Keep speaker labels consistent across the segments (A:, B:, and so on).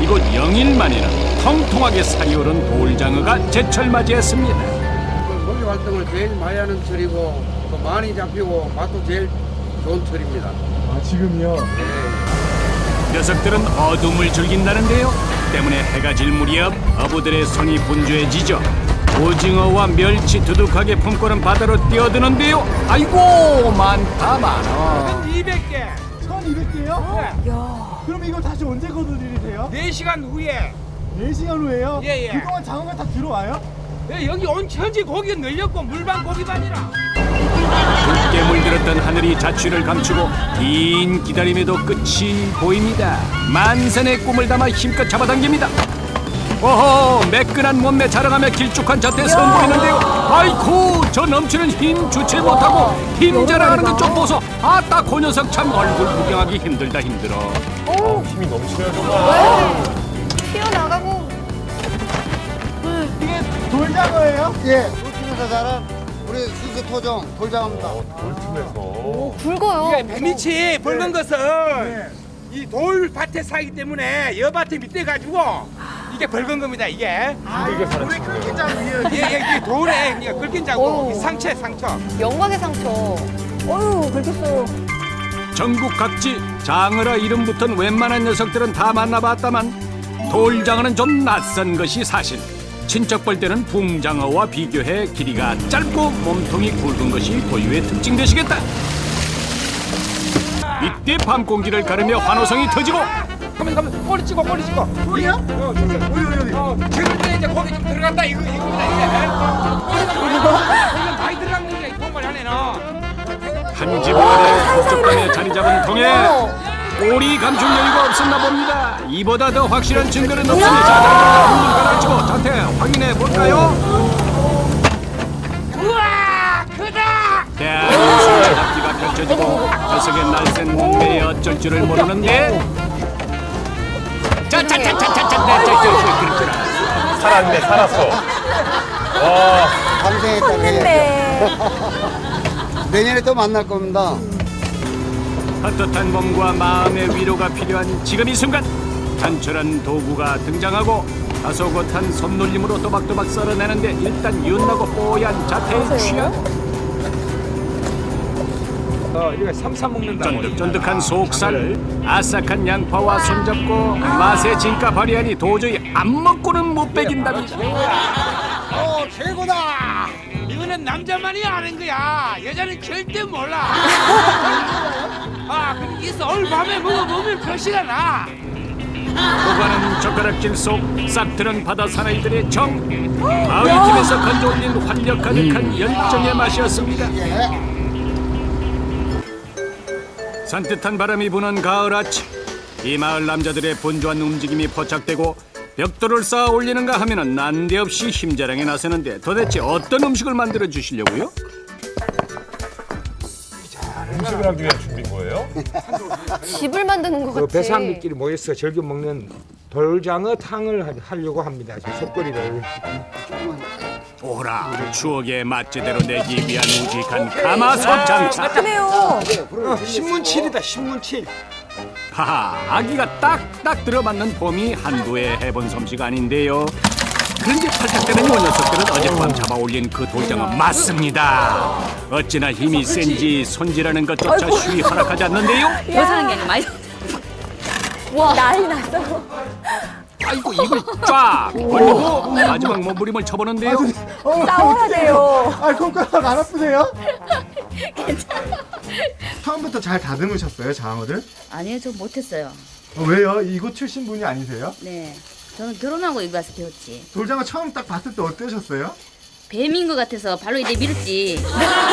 A: 이곳 영일 만에는 통통하게 살이 오른 돌장어가 제철 맞이했습니다.
B: 고기 활동을 제일 많이 하는 철이고 또 많이 잡히고 맛도 제일 좋은 철입니다.
C: 아, 지금요?
A: 녀석들은 어둠을 즐긴다는데요. 때문에 해가 질 무렵 어부들의 손이 분주해지죠. 오징어와 멸치 두둑하게 품고는 바다로 뛰어드는데요. 아이고 많다 많아.
D: 200개.
C: 1200개요?
D: 네.
C: 그럼 이걸 다시 언제 거두들이세요?
D: 4시간 후에
C: 4시간 후에요?
D: 예, 예.
C: 그동안 장어가 다 들어와요?
D: 여기 온 천지 고기가 늘렸고 물반 고기반이라.
A: 붉게 물들었던 하늘이 자취를 감추고 긴 기다림에도 끝이 보입니다. 만선의 꿈을 담아 힘껏 잡아당깁니다. 오호, 매끈한 몸매 자랑하며 길쭉한 잣대 선보이는데요. 아이쿠, 저 넘치는 힘 주체 못하고 힘 자랑하는 것 좀 보소. 아따, 그 녀석 참 얼굴 구경하기 힘들다 힘들어.
E: 힘이 넘치네요 정말.
F: 튀어나가고.
C: 이게 돌장어예요?
B: 예, 돌팀에서 자란 우리 수수 토종 돌장어입니다.
E: 돌팀에서.
F: 굵어요.
D: 이게 뱀이치 붉은 것은 이 돌밭에 사기 때문에 여밭에 밑에 가지고 이게 붉은 겁니다. 이게.
E: 이게 사는
C: 우리
E: 친구예요.
C: 끓긴장 위에
D: 이게 돌에 이게 긁힌 자고
F: 오.
D: 이 상처.
F: 영광의 상처. 어휴, 긁혔어요.
A: 전국 각지 장어라 이름 붙은 웬만한 녀석들은 다 만나봤다만 돌장어는 좀 낯선 것이 사실. 친척 볼 때는 붕장어와 비교해 길이가 짧고 몸통이 굵은 것이 고유의 특징 되시겠다. 이때 밤 공기를 가르며 환호성이 터지고
D: 가면 꼬리 찍어.
C: 꼬리요?
D: 어디. 지금 때 이제 고기 좀 들어간다 이겁니다. 이게. 꼬리가 많이 들어간 거야 이 통발 안에는.
A: 한 집 아래 북쪽방에 자리 잡은 통에 오리 감출 여유가 없었나 봅니다. 이보다 더 확실한 증거는 없으니 자자자 한눈 가라앉히고 자태 확인해 볼까요?
D: 우와 크다.
A: 대한민국의 앞뒤가 펼쳐지고 녀석의 날쌘 몸매에 어쩔 줄을 모르는데 짜짜짜짜짜짜 그렇구나.
E: 살았네 살았어. 와.
B: 감생했다니.
F: 했네.
B: 내년에 또 만날 겁니다.
A: 헛헛한 몸과 마음의 위로가 필요한 지금 이 순간 단촐한 도구가 등장하고 다소곳한 손놀림으로 또박또박 썰어내는데 일단 윤나고 뽀얀 자태에 취하고
D: 이거 삼삼 먹는다고.
A: 쫀득쫀득한 속살, 아삭한 양파와 손잡고 맛의 진가 발휘하니 도저히 안 먹고는 못 배긴답니다.
B: 최고다.
D: 이거는 남자만이 아는 거야. 여자는 절대 몰라. 아, 그럼 있어. 오늘 밤에 먹어보면 표시가 나.
A: 오가는 젓가락질 속 싹트는 바다 사나이들의 정. 마을 팀에서 건져올린 활력 가득한 열정의 맛이었습니다. 산뜻한 바람이 부는 가을 아침. 이 마을 남자들의 분주한 움직임이 포착되고 벽돌을 쌓아 올리는가 하면은 난데없이 힘자랑에 나서는데 도대체 어떤 음식을 만들어 주시려고요?
E: 음식을 하기 위한 준비인 거예요?
F: 집을 만드는 것 같아.
D: 그 배사람들끼리 모여서 즐겨 먹는 돌장어 탕을 하려고 합니다. 지금 속거리를.
A: 오라 추억의 맛제대로 내기 위한 우직한 가마솥 장착.
F: 그래요.
D: 신문칠이다, 신문칠.
A: 하하, 아기가 딱딱 들어맞는 봄이 한두해 해본 솜씨가 아닌데요. 그런데 팔딱대는 요 녀석들은 어젯밤 잡아올린 그 돌장어 맞습니다. 어찌나 힘이 센지 손질하는 것조차 쉬이 허락하지 않는데요.
F: 예상한 게 아니라 많이. 와, 난리 났어.
A: 아이고 입을 쫙 벌리고 마지막 몸부림을 쳐보는데요.
F: 싸워야 돼요.
C: 아, 손가락 안 아프세요? 처음부터 잘 다듬으셨어요, 장어를?
G: 아니요, 저 못했어요.
C: 왜요? 이곳 출신 분이 아니세요?
G: 네. 저는 결혼하고 여기 와서 배웠지.
C: 돌장어 처음 딱 봤을 때 어떠셨어요?
G: 뱀인 것 같아서 발로 이제 밀었지.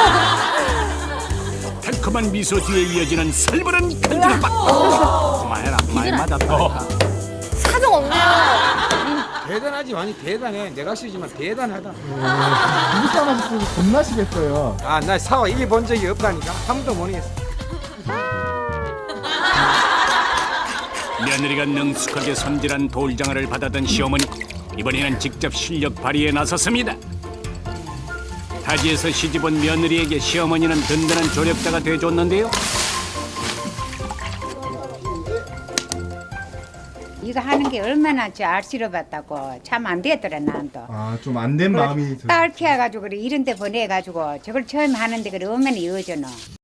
A: 달콤한 미소 뒤에 이어지는 살벌한 간질박. 그만해라, 많이 맞았다.
F: 사정 없네요.
D: 대단하지, 많이 대단해. 내가 쓰지만 대단하다.
C: 누구 싸움하셨으면 겁나시겠어요.
D: 아, 나 사와 이겨본 적이 없다니까. 한 번도 못 이겼어.
A: 며느리가 능숙하게 손질한 돌장어를 받아든 시어머니. 이번에는 직접 실력 발휘에 나섰습니다. 타지에서 시집온 며느리에게 시어머니는 든든한 조력자가 돼줬는데요.
H: 이거 하는 게 얼마나 저 알씨러봤다고 참 안 되더라 난도.
C: 아, 좀 안 된 마음이
H: 딸 키워가지고 그래 이런 데 보내가지고 저걸 처음 하는데 그래 얼마나 이어져노.